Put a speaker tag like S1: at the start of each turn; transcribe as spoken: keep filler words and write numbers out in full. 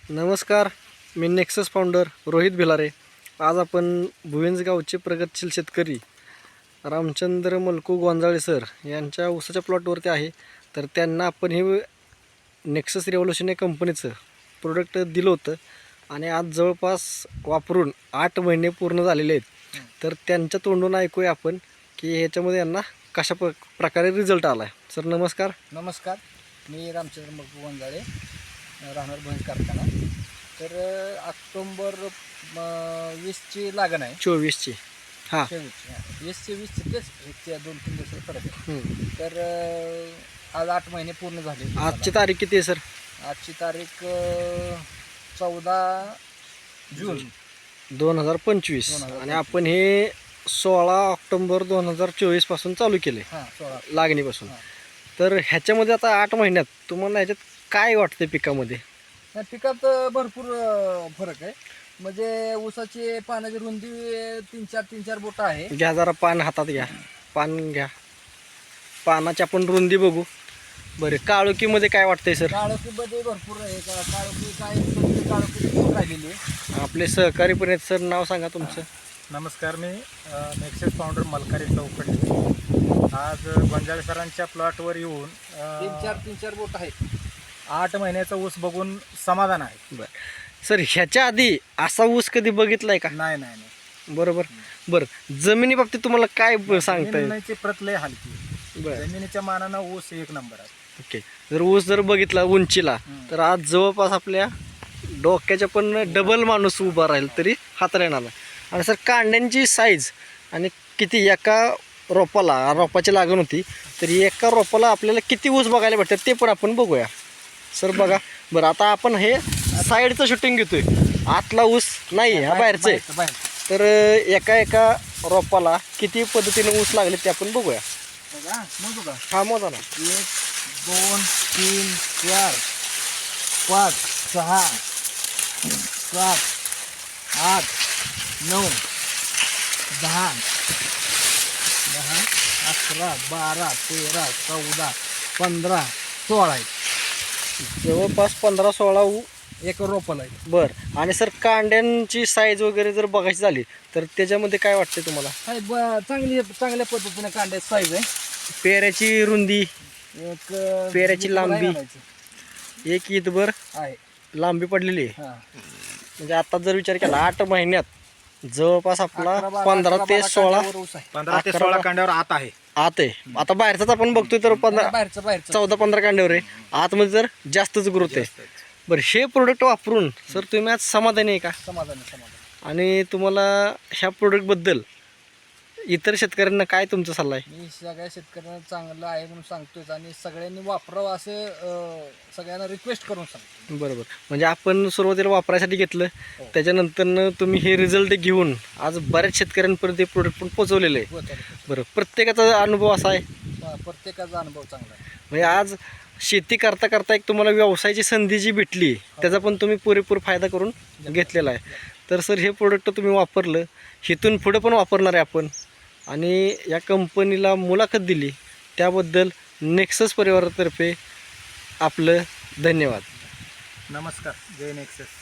S1: नमस्कार, मी Nexus founder Rohit Bhilare. आज आपण भुविंज गावचे प्रगतशील शेतकरी रामचंद्र मलकू गोंजाळे सर यांच्या ऊसाच्या प्लॉटवरती आहे. तर त्यांना आपण हे नेक्सस रेव्होल्यूशन या कंपनीचं प्रोडक्ट दिलं होतं आणि आज जवळपास वापरून आठ महिने पूर्ण झालेले आहेत. तर त्यांच्या तोंडून ऐकूया आपण की ह्याच्यामध्ये यांना कशा प्र प्रकारे रिझल्ट आला आहे. सर नमस्कार.
S2: नमस्कार, मी रामचंद्र मलकू गोंजाळे, राहणार भुविंज कारखाना. तर ऑक्टोंबर वीसची लागण आहे.
S1: चोवीसची हां
S2: चोवीसची वीसचे वीसचे तेच ते दोन तीन दिवस फरक आहे. तर आज आठ महिने पूर्ण झाले.
S1: आजची तारीख किती आहे सर?
S2: आजची तारीख चौदा जून
S1: दोन हजार पंचवीस आणि आपण हे सोळा ऑक्टोंबर दोन हजार चोवीस पासून चालू केले.
S2: हां, सोळा
S1: लागणीपासून. तर ह्याच्यामध्ये आता आठ महिन्यात तुम्हाला ह्याच्यात काय वाटतं पिकामध्ये?
S2: या पिकात भरपूर फरक आहे. म्हणजे ऊसाची पानाची रुंदी तीन चार तीन चार बोट आहे.
S1: घ्या जरा पान हातात घ्या, पान घ्या. पानाची आपण रुंदी बघू. बरं, काळोखीमध्ये काय वाटतंय सर?
S2: काळोखीमध्ये भरपूर आहे. का काळोखी काय काळोखी राहिलेली आहे.
S1: आपले सहकारी पण आहेत सर, नाव सांगा तुमचं.
S3: नमस्कार, मी नेक्सस फाउंडर मलकारी चौकडी. आज गोंजाळे सरांच्या प्लॉटवर येऊन
S2: तीन चार तीन चार बोट आहेत.
S3: आठ महिन्याचा ऊस बघून समाधान आहे.
S1: बरं सर, ह्याच्या आधी असा ऊस कधी बघितलाय का?
S3: नाही नाही नाही
S1: बरोबर. बरं, जमिनी बाबतीत तुम्हाला काय सांगताय?
S3: जमिनीची प्रत लय हलकी.
S1: बरं,
S3: जमिनीच्या मानानं ऊस एक नंबर आहे.
S1: ओके. जर ऊस जर बघितला उंचीला तर आज जवळपास आपल्या डोक्याच्या पण डबल माणूस उभा राहील तरी हाताला येणार. आणि सर कांड्यांची साईज आणि किती एका रोपाला, रोपाची लागण होती तर एका रोपाला आपल्याला किती ऊस बघायला भेटतात ते पण आपण बघूया. सर बघा. बरं, आता आपण हे साईडचं शूटिंग घेतोय, आतला ऊस नाही, हा बाहेरचं आहे.
S2: बाहेर
S1: तर एका एका रोपाला किती पद्धतीने ऊस लागले ते आपण बघूया.
S2: बघा, मोजू का?
S1: हा मोजा ना.
S2: एक दोन तीन चार पाच सहा सात आठ नऊ दहा दहा अकरा बारा तेरा चौदा पंधरा सोळा आहे.
S1: जवळपास पंधरा सोळा ऊ
S2: एक रोपल आहे.
S1: बरं. आणि सर कांड्यांची साईज वगैरे जर बघायची झाली तर त्याच्यामध्ये काय वाटते तुम्हाला?
S2: काय ब- चांगली चांगल्या पद्धतीने कांड्याची साईज आहे.
S1: पेऱ्याची रुंदी,
S2: एक
S1: पेऱ्याची लांबी
S2: आहे.
S1: एक ईदभर लांबी पडलेली आहे. म्हणजे आता जर विचार केला आठ महिन्यात जवळपास आपला पंधरा ते सोळा
S3: पंधरा ते
S1: अकरा
S3: सोळा कांड्यावर आत आहे.
S1: आत आहे. आता बाहेरचाच आपण बघतोय तर पंधरा
S2: बाहेरचं बाहेरचं
S1: चौदा पंधरा कांड्यावर आहे. आतमध्ये जर जास्तच ग्रोथ आहे. बरं, हे प्रोडक्ट वापरून सर तुम्ही आज समाधानी आहे का?
S2: समाधान समाधान.
S1: आणि तुम्हाला ह्या प्रोडक्टबद्दल इतर शेतकऱ्यांना काय तुमचा सल्ला आहे?
S2: मी सगळ्या शेतकऱ्यांना चांगलं आहे म्हणून सांगतोय आणि सगळ्यांनी वापरावं असं अं, सगळ्यांना रिक्वेस्ट करून सांगतो.
S1: बरोबर. म्हणजे आपण सुरुवातीला वापरायसाठी घेतलं, त्याच्यानंतर तुम्ही हे रिझल्ट घेऊन आज बऱ्याच शेतकऱ्यांपर्यंत हे प्रोडक्ट पण पोचवलेलं आहे. बरं, प्रत्येकाचा अनुभव असा आहे.
S2: प्रत्येकाचा अनुभव चांगला आहे.
S1: म्हणजे आज शेती करता करता एक तुम्हाला व्यवसायाची संधी जी भेटली त्याचा पण तुम्ही पुरेपूर फायदा करून घेतलेला आहे. तर सर हे प्रोडक्ट तुम्ही वापरलं, इथून पुढं पण वापरणार आहे आपण. आणि या कंपनीला मुलाखत दिली त्याबद्दल नेक्सस परिवारातर्फे आपलं धन्यवाद.
S3: नमस्कार, जय नेक्सस.